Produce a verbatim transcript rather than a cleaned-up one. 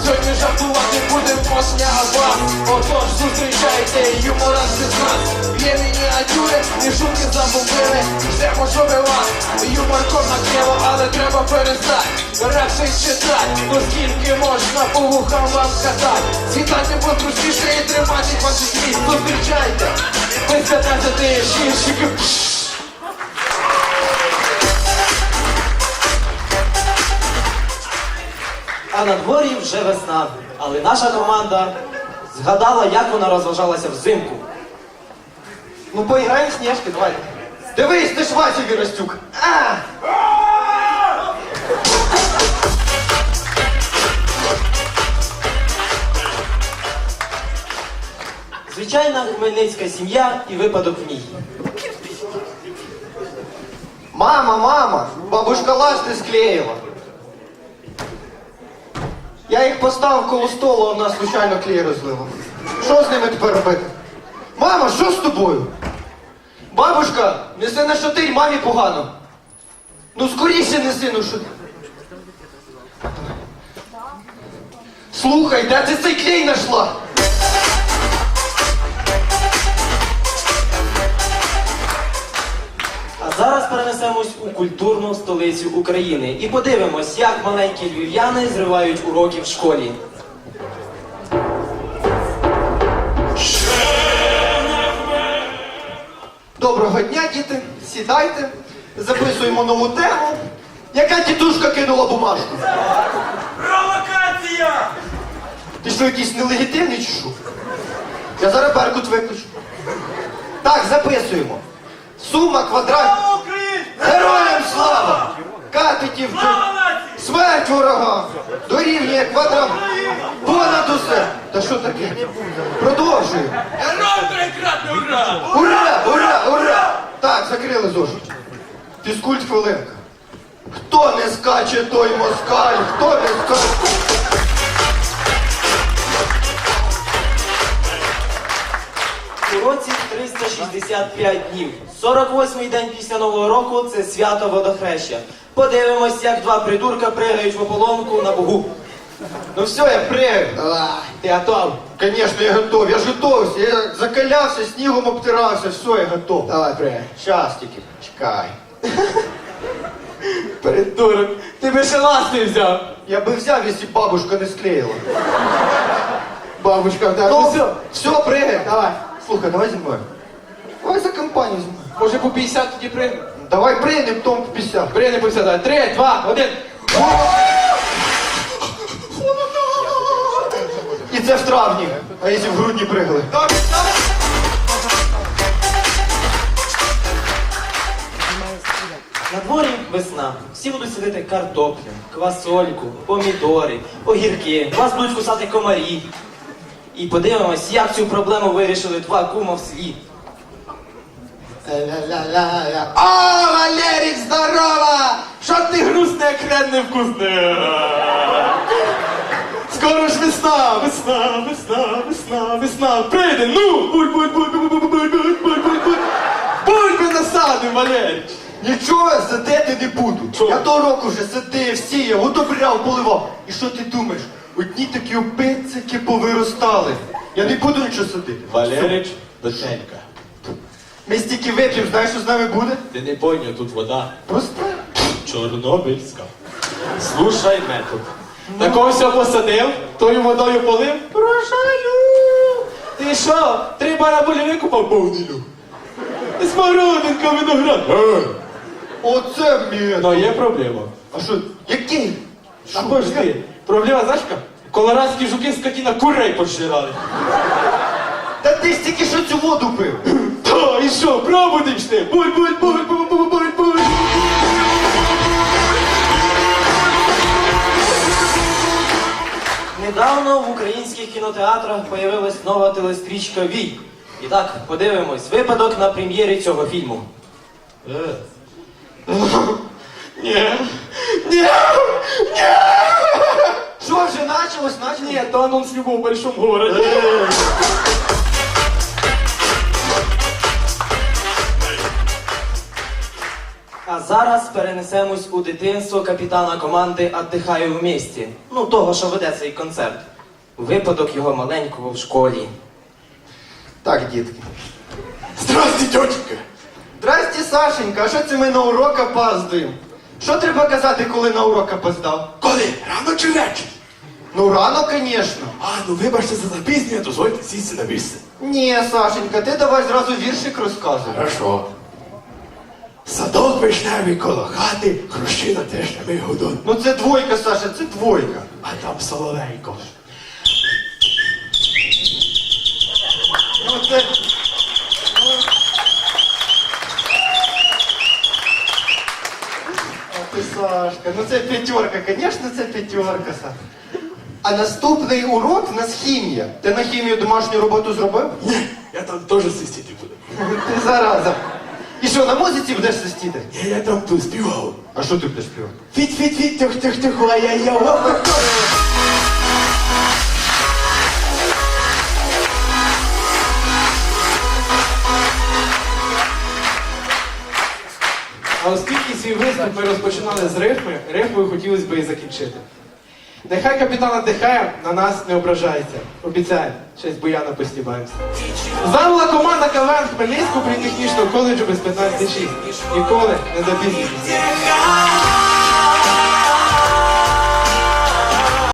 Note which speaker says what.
Speaker 1: Сьогодні жартувати будемо після вас. Отож зустрічайте юмористи з нас. Є мініатюри і шутки забубили. Все може вас. Юморком накрило, але треба перестати. Репси читать, оскільки можна по вухам вам сказати. Світайте подручніше і тримайте ваших місць. Зустрічайте. Ви п'ятнадцяти шірщики.
Speaker 2: А на дворі вже весна, але наша команда згадала, як вона розважалася взимку.
Speaker 3: Ну поіграємо в сніжки, давай. Дивись, ти ж Вася Віростюк. А!
Speaker 2: Звичайна хмельницька сім'я і випадок в ній.
Speaker 3: Мама, мама, бабушка ласти склеїла. Я їх поставив коло столу, а вона случайно клей розлила. Що з ними тепер робити? Мама, що з тобою? Бабушка, неси на шатирь, мамі погано. Ну скоріше неси, ну що. Слухай, де ти цей клей знайшла?
Speaker 2: А зараз перенесемось у культурну столицю України і подивимось, як маленькі львів'яни зривають уроки в школі.
Speaker 3: Доброго дня, діти. Сідайте. Записуємо нову тему. Яка тітушка кинула бумажку?
Speaker 4: Провокація!
Speaker 3: Ти що, якийсь нелегітимний чи що? Я зараз Беркут виключу. Так, записуємо. Сума квадрат...
Speaker 4: Слава Україні!
Speaker 3: Героям слава! Катетів
Speaker 4: Слава нації!
Speaker 3: смерть ворогам! Дорівнює квадрат... Понад усе! Та що таке? Продовжуємо.
Speaker 4: Герой трикратний ура!
Speaker 3: Ура! Ура! Ура! Так, закрили зошит. Фізкульт хвилинка. Хто не скаче, той москаль! Хто не скаче...
Speaker 2: У році триста шістдесят п'ять днів. сорок восьмий день після Нового року – це свято водохреща. Подивимось, як два придурка пригають в ополонку на Бугу.
Speaker 3: Ну все, я пригаю.
Speaker 2: Ти готов?
Speaker 3: Конечно, я готов. Я ж готовся. Я закалявся, снігом обтирався. Все, я готов.
Speaker 2: Давай, пригай.
Speaker 3: Щас тільки. Чекай.
Speaker 2: Придурок, ти би ще ласти взяв.
Speaker 3: Я би взяв, якщо бабушка не склеїла.
Speaker 2: Бабушка, так,
Speaker 3: Ну,
Speaker 2: все.
Speaker 3: все, пригай.
Speaker 2: Давай.
Speaker 3: Слухай, давай зі мною. Давай за компанію зі мною.
Speaker 1: Може по п'ятдесят тоді при...
Speaker 3: Давай пригнем, потім по п'ятдесят.
Speaker 1: При не по п'ятдесят. Три, два, один.
Speaker 3: І це в травні. А якщо в грудні пригали?
Speaker 2: На дворі весна. Всі будуть садити картоплю, квасольку, помідори, огірки. Вас будуть кусати комарі. І подивимось, як цю проблему вирішили два кума в селі.
Speaker 1: О, Валерик, здорово! Що ти грустне, як хрен невкусне? Скоро ж весна, весна, весна, весна, весна. Прийде, ну! Буль, буль, буль, буль, буль, буль, буль, буль, буль, буль. Бульби насадим, Валерич.
Speaker 3: Нічого я садити не буду.
Speaker 1: Чого?
Speaker 3: Я того року вже садив, сіяв, удобряв, поливав. І що ти думаєш? Одні такі опицики повиростали. Я не буду нічого садити.
Speaker 5: Валерич, доченька,
Speaker 3: Ми стільки вип'ємо, знаєш, що з нами буде?
Speaker 5: ти не поняв, тут вода
Speaker 3: Просто.
Speaker 5: чорнобильська. Слушай метод. Такого все посадив, тою водою полив. Прощаю! Ти що, три барабулі викупав повнілю? Смородинка, виноград. Е,
Speaker 3: Оце мені.
Speaker 5: Ну є проблема.
Speaker 3: А що? Який?
Speaker 5: А пожди, проблема, знаєш яка? Колорадські жуки скотіна курей пожирали.
Speaker 3: Та ти стільки що цю воду пив?
Speaker 5: Та, і що, пробудеш ти? Буль, буль, буль, буль, буль, буль, буль.
Speaker 2: Недавно в українських кінотеатрах появилась нова телестрічка «Вій». І так, подивимось, випадок на прем'єрі цього фільму.
Speaker 5: Ні. Ні. Ні.
Speaker 3: Що вже почалось? Началось?
Speaker 5: Ні, то анонс любов в большому городі.
Speaker 2: А зараз перенесемось у дитинство капітана команди «Отдихаю в місті». Ну, того, що веде цей концерт. Випадок його маленького в школі.
Speaker 3: Так, дітки.
Speaker 5: Здрасте, тьотенька.
Speaker 3: Здрасте, Сашенька, а що це ми на урок опаздуємо? Що треба казати, коли на урок опоздав?
Speaker 5: Коли? Рано чи вечір?
Speaker 3: Ну, рано, звісно.
Speaker 5: А, ну вибачте за запізнення, дозвольте сісти на місце.
Speaker 3: Ні, Сашенька, ти давай зразу віршик розказуй.
Speaker 5: Хорошо. Садок вишневий коло хати, хрущина теж не гудон.
Speaker 3: Ну це двойка, Саша, це двойка.
Speaker 5: А там соловейко.
Speaker 3: Ну це... А ти, Сашка, ну це п'ятерка, звісно, це п'ятерка, Саша. А наступний урок у нас хімія. Ти на хімію домашню роботу зробив?
Speaker 5: Ні, я там теж свистіти буду.
Speaker 3: Ти зараза. І що, на музиці будеш свистіти?
Speaker 5: Ні, я там тут співав.
Speaker 3: А що ти будеш співати?
Speaker 5: Фіт-фіт-фіт, тих-тих-тих, ай-яй-яй.
Speaker 6: А оскільки свій виступ ми розпочинали з рифми, рифмою хотілося б і закінчити. Нехай капітан отдихає, на нас не ображається. Обіцяю, ще з Буяна постібаємося. Занула команда КВН Хмельницького політехнічного коледжу без п'ятнадцяти шість. Ніколи не запізнюйтесь.